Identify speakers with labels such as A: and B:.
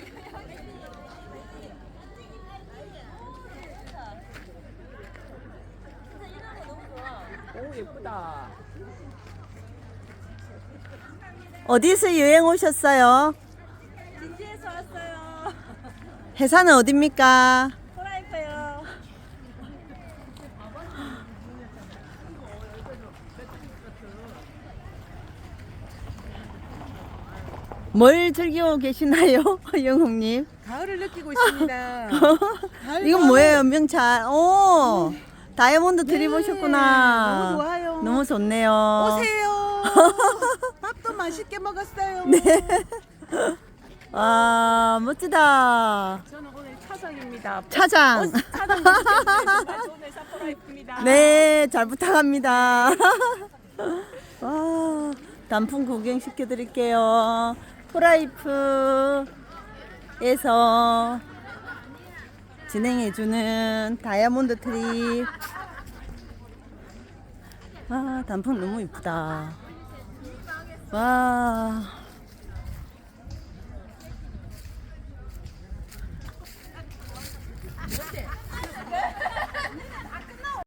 A: 오, 예쁘다.
B: 어디서 여행 오셨어요?
C: 진지에서 왔어요.
B: 회사는 어딥니까?
C: 프라이프요.
B: 뭘 즐기고 계시나요, 영웅님?
A: 가을을 느끼고 있습니다.
B: 이건 뭐예요, 명찰? 오, 다이아몬드 들이보셨구나.
A: 너무 좋아요.
B: 너무 좋네요.
A: 오세요. 밥도 맛있게 먹었어요.
B: 네. 와, 멋지다.
A: 저는 오늘 차장입니다.
B: 차장.
A: 차장 정말 좋은 회사 프라이프입니다.
B: 네, 잘 부탁합니다. 와, 단풍 구경 시켜드릴게요. 프라이프에서 진행해주는 다이아몬드 트립. 와, 단풍 너무 이쁘다. 와.